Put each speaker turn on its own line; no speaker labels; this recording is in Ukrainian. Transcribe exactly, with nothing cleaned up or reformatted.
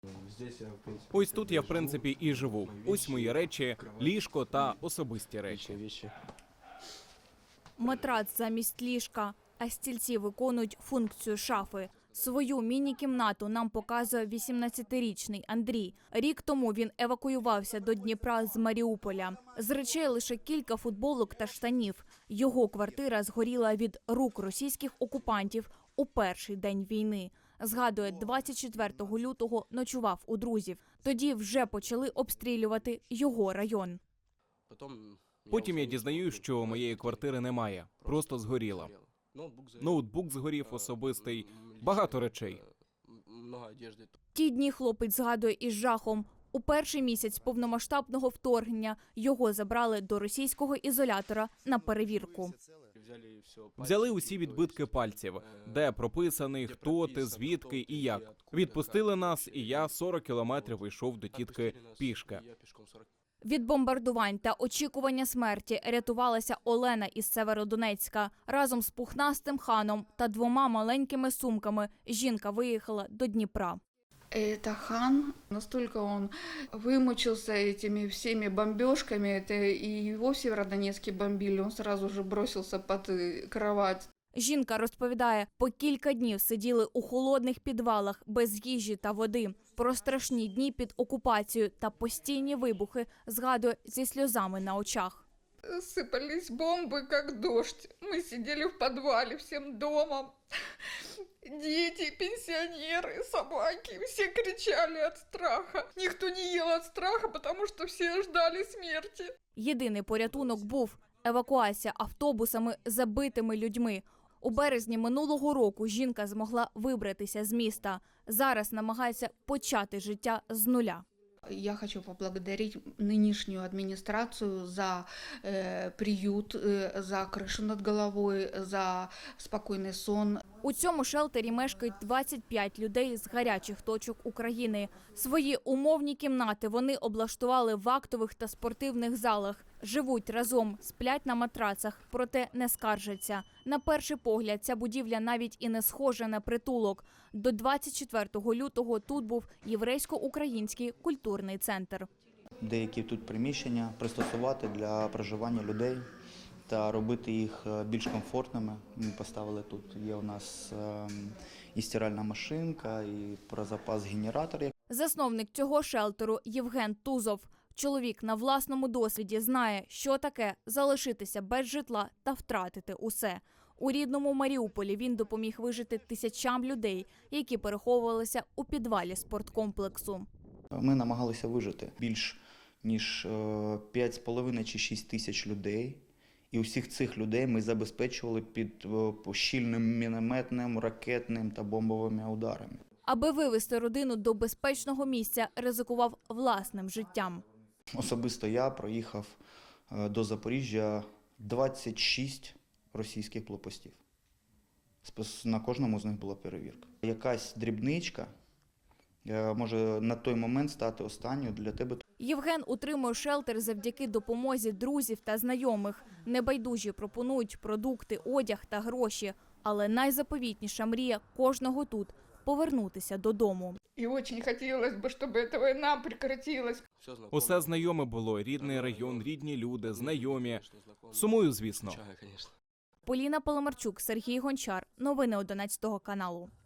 Ось тут я, в принципі, і живу. Ось мої речі, ліжко та особисті речі.
Матрац замість ліжка, а стільці виконують функцію шафи. Свою міні-кімнату нам показує вісімнадцятирічний Андрій. Рік тому він евакуювався до Дніпра з Маріуполя. З речей лише кілька футболок та штанів. Його квартира згоріла від рук російських окупантів у перший день війни. Згадує, двадцять четвертого лютого ночував у друзів. Тоді вже почали обстрілювати його район.
Потім я дізнаюсь, що моєї квартири немає, просто згоріла. Ноутбук згорів особистий, багато речей.
Ті дні хлопець згадує із жахом. У перший місяць повномасштабного вторгнення його забрали до російського ізолятора на перевірку.
Взяли усі відбитки пальців, де прописаний, хто ти, звідки і як. Відпустили нас, і я сорок кілометрів йшов до тітки пішки.
Від бомбардувань та очікування смерті рятувалася Олена із Северодонецька. Разом з пухнастим ханом та двома маленькими сумками жінка виїхала до Дніпра.
Это хан, настолько он вымучился этими всеми бомбежками, это и его в Северодонецке бомбили, он сразу же бросился под кровать.
Жінка розповідає, по кілька днів сиділи у холодних підвалах, без їжі та води. Про страшні дні під окупацією та постійні вибухи згадує зі сльозами на очах.
Сыпались бомбы, как дождь. Мы сидели в подвале всем домом. Дети, пенсионеры, собаки, все кричали от страха. Никто не ел от страха, потому что все ждали смерти.
Єдиний порятунок був евакуація автобусами з забитими людьми. У березні минулого року жінка змогла вибратися з міста. Зараз намагається почати життя з нуля.
Я хочу поблагодарить нынешнюю администрацию за э, приют, э, за крышу над головой, за спокойный сон.
У цьому шелтері мешкають двадцять п'ять людей з гарячих точок України. Свої умовні кімнати вони облаштували в актових та спортивних залах. Живуть разом, сплять на матрацах, проте не скаржаться. На перший погляд, ця будівля навіть і не схожа на притулок. До двадцять четвертого лютого тут був єврейсько-український культурний центр.
Деякі тут приміщення пристосувати для проживання людей та робити їх більш комфортними. Ми поставили тут, є у нас і стиральна машинка, і про запас генератор.
Засновник цього шелтеру Євген Тузов. Чоловік на власному досвіді знає, що таке залишитися без житла та втратити усе. У рідному Маріуполі він допоміг вижити тисячам людей, які переховувалися у підвалі спорткомплексу.
Ми намагалися вижити більш ніж п'ять з половиною чи шість тисяч людей. І усіх цих людей ми забезпечували під щільним мінометним, ракетним та бомбовими ударами.
Аби вивезти родину до безпечного місця, ризикував власним життям.
Особисто я проїхав до Запоріжжя двадцять шість російських блокпостів. На кожному з них була перевірка. Якась дрібничка може на той момент стати останньою для тебе.
Євген утримує шелтер завдяки допомозі друзів та знайомих. Небайдужі пропонують продукти, одяг та гроші. Але найзаповітніша мрія кожного тут – повернутися додому.
І дуже хотілося б, щоб ця війна прекратилась.
Усе знайоме було, рідний район, рідні люди, знайомі. Сумую, звісно.
Поліна Паламарчук, Сергій Гончар. Новини одинадцятого каналу.